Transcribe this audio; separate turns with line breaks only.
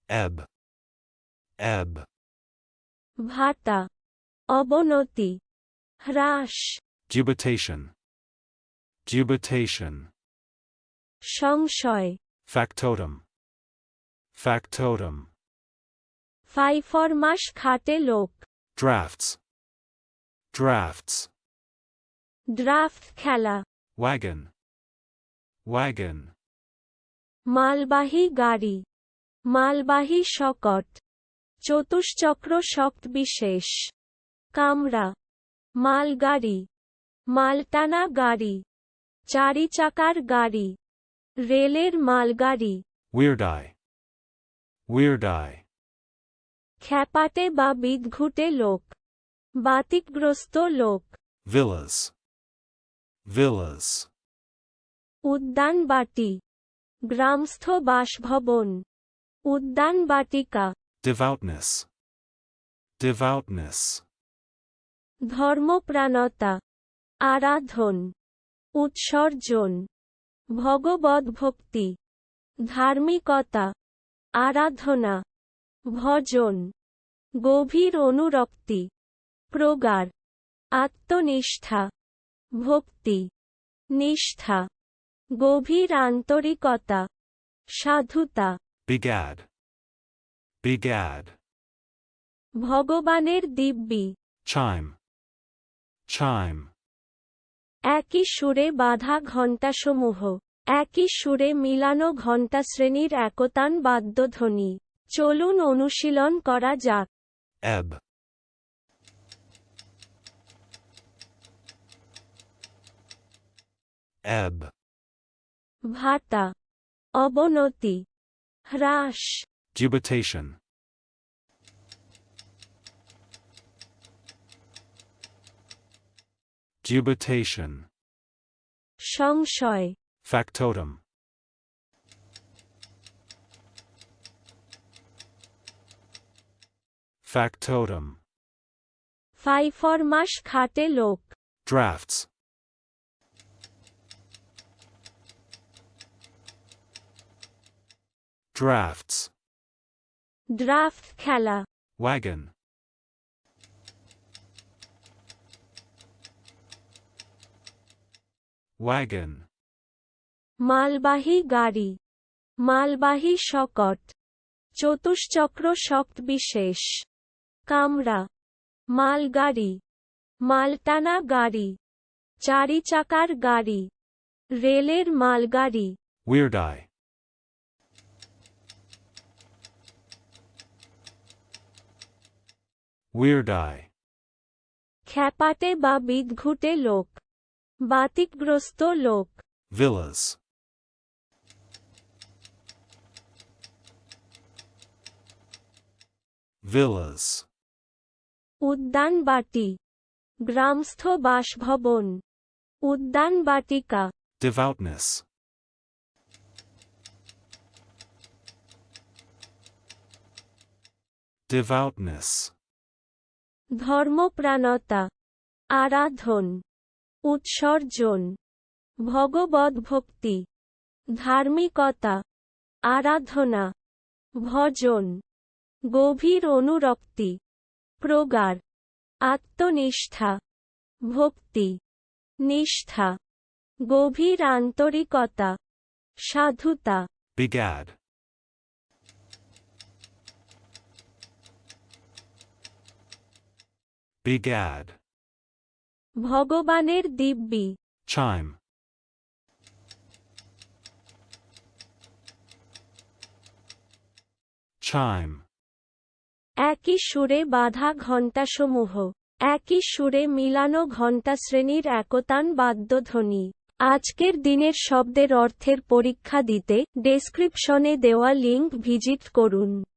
ebb, ebb.
ভাটা, অবনতি, হ্রাস,
Dubitation, dubitation.
সংশয়,
Factotum, factotum.
ফাইফরমাস খাটে লোক,
Drafts, drafts.
ড্রাফট খেলা,
Wagon, wagon.
মালবাহী গাড়ি, মালবাহী শকট, চতুষ্চক্র শক্ত বিশেষ, কামরা, মালগাড়ি, মালটানা গাড়ি, চারি চাকার গাড়ি, রেলের মালগাড়ি,
Weird eye, weird eye.
খ্যাপাটে বা বিদঘুটে লোক, বাতিকগ্রস্ত লোক,
Villas, villas.
উদ্যানবাটি, গ্রামস্থ বাসভবন, উদ্যানবাটিকা,
Devoutness, devoutness.
ধর্মপ্রাণতা, আরাধন, উৎসর্জন, ভগবদ্ভক্তি, ধার্মিকতা, আরাধনা, ভজন, গভীর অনুরক্তি, প্রগাঢ়, আত্মনিষ্ঠা, ভক্তি, নিষ্ঠা, গভীর আন্তরিকতা, সাধুতা,
Begad, begad.
ভগবানের দিব্যি,
Chime, chime.
একই সুরে বাঁধা ঘণ্টাসমূহ, একই সুরে মিলানো ঘণ্টা শ্রেণীর একতান বাদ্যধ্বনি। চলুন অনুশীলন করা যাক।
Ebb, ebb.
ভাটা, অবনতি, হ্রাস,
Dubitation, dubitation.
সংশয়,
Factotum, factotum.
ফাইফরমাস খাটে লোক,
Drafts, drafts.
ড্রাফট খেলা,
Wagon, wagon.
মালবাহী গাড়ি, মালবাহী শকট, চতুষ্চক্র শক্ত বিশেষ, কামরা, মালগাড়ি, মালটানা গাড়ি, চারি চাকার গাড়ি, রেলের মালগাড়ি,
Weird eye, weird eye.
খ্যাপাটে বা বিদঘুটে লোক, বাতিকগ্রস্ত লোক,
Villas, villas.
উদ্যানবাটি, গ্রামস্থ বাসভবন, উদ্যানবাটিকা,
Devoutness, devoutness.
ধর্মপ্রাণতা, আরাধন, উৎসর্জন, ভগবদ্ভক্তি, ধার্মিকতা, আরাধনা, ভজন, গভীর অনুরক্তি, প্রগাঢ়, আত্মনিষ্ঠা, ভক্তি, নিষ্ঠা, গভীর আন্তরিকতা, সাধুতা,
Begad, begad.
ভগবানের দিব্যি,
Chime, chime.
একই সুরে বাঁধা ঘণ্টাসমূহ, একই সুরে মিলানো ঘণ্টা শ্রেণীর একতান বাদ্যধ্বনি। আজকের দিনের শব্দের অর্থের পরীক্ষা দিতে ডেসক্রিপশনে দেওয়া লিঙ্ক ভিজিট করুন।